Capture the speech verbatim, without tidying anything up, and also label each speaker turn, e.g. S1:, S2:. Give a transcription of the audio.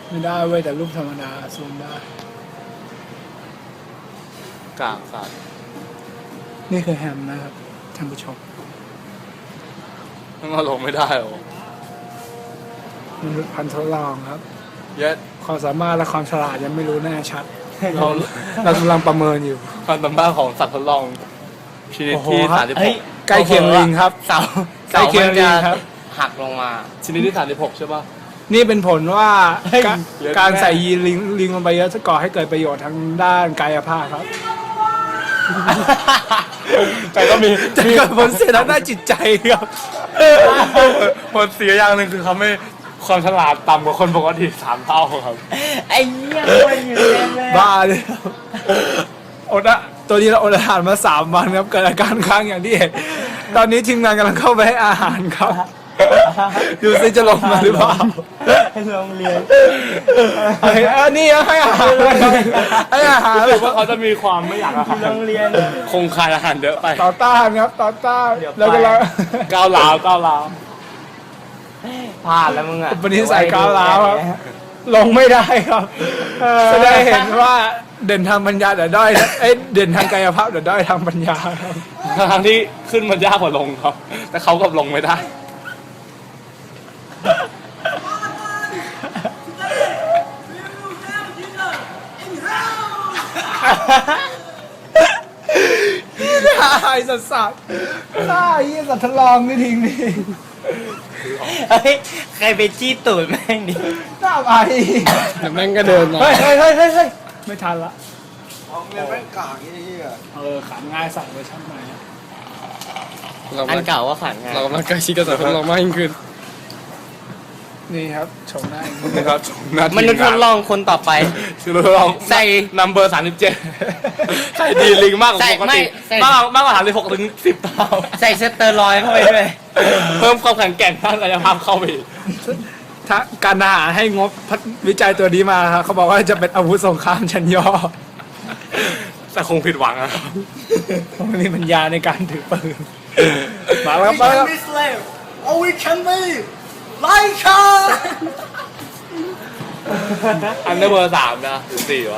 S1: ไม่ได้เว้ยแต่รูปธรรมดาซูมได้
S2: กากสัตว์
S1: นี่คือแฮมนะครับท่านผู้ชม
S2: มันเอาลงไม่ได้หรอ
S1: มนุษย์พันธุ์ทดลองครับ
S2: เย็ด
S1: ความสามารถและความฉลาดยังไม่รู้แน่ชัด เราเรากำลังประเมินอยู่
S2: ความสามารถของสัตว์ทดลองชนิดที่
S1: โอ้โห
S2: สามสิบห
S3: เฮ้ย
S2: ก
S1: ใกล้เคียงลิงครับ
S3: เสา
S1: ใกล้เคียงลิงครับ
S3: หักลงมา
S2: ชนิดที่สามสิบหกใช่ป่ะ
S1: นี่เป็นผลว่า
S3: เฮ้ย
S1: การ
S2: เยอะ
S1: การ
S2: แน่
S1: ใส่ยีนลิงลิงลงไปเยอะจะก่อให้เกิดประโยชน์ทางด้านกายภาพครับ
S2: แต่ก็มี
S1: จะเกิดผลเสียทางด้านจิตใจครับ
S2: ผลเสียอย่างหนึ่งคือเขาไม่ความฉลาดต่ำกว่าคนปกติสามเท่าครับ
S3: ไอ้เหี้ยมันอยู่เต็มเลย
S1: บ้าเลยครับอดอะตัวนี้เราอดอาหารมาสามวันครับเกิดอาการค้างอย่างที่เห็นตอนนี้ทีมงานกำลังเข้าไปให้อาหารครับดูซิจะลงมาหรือเปล่า
S3: ให้โรงเรียน
S1: ไอ้อันนี้ให้อาหารให้อาหาร
S2: รู้สึกว่าเขาจะมีความไม่อยากอาหาร
S3: โรงเรียน
S2: คงคายอาหารเยอะไป
S1: ต่อต้านครับต่อต้าน
S3: เดี๋ยวไป
S1: แล้วก็เรา
S2: ก้าวร้าวก้าวร้าว
S3: พลาดแล้วมึงอ่ะ
S1: วันนี้ใส่ก้าวร้าวครับ ลงไม่ได้ครับแสดงเห็นว่าเด่นทางปัญญาแต่ด้อยเอ้ยเด่นทางกายภาพแต่ด้อยทางปัญญาครับ
S2: ทางที่ขึ้นมันยากกว่าลงครับ แต่เขากับลงไม่ได้
S1: ไอ้สัตว์สัตว์ไอ้สัตว์ทดลองนี่ทิ้งนี่
S3: เฮ้ยใครไปจี้ตูดแม่งดิ
S1: หน้าไป
S2: แต่แม่งก็เดินมา
S1: เฮ้ยเฮ้ยเฮ้ยเฮ้ยเฮ้ยไม่ทันละ
S4: ของเรียนแม่งกากยี่ที่อ่ะ
S1: เออขำง่ายสั่งเวอร์ชันใหม่
S3: อันเก่าว่าขันไง
S2: เรากำลังใกล้ชิดกับสัตว์ทดลองมากยิ่งขึ้น
S1: นี่ครับชมหน้าอย่างนี้
S2: นะครับหน้าที่
S3: มนุษย์ทดลองคนต่อไป
S2: คือเราลอง
S3: ใส่
S2: นัมเบอร์สามสิบเจ็ดใส่ดีลิงมากกว่า
S3: ใส่
S2: ปก
S3: ไม่
S2: ติ
S3: ใส่
S2: มากมากกว่าสามสิบหกถึงสิบเท่า
S3: ใส่สเตอรอยด์เข้าไปด้วย
S2: เพิ่มความแข็งแกร่งทางกายภาพเข้าไปอีก
S1: ถ้าการทหารให้งบพัฒวิจัยตัวนี้มาครับเขาบอกว่าจะเป็นอาวุธสงครามชั้นย่อ
S2: แต่คงผิดหวังอะครับ
S1: เพราะมันมีปัญญาในการถือปืนมาแล้วครับมาแล้วครับ
S4: We can be slave or we can be like a
S2: อันเดอร์เบอร์สามนะหรือสี่วะ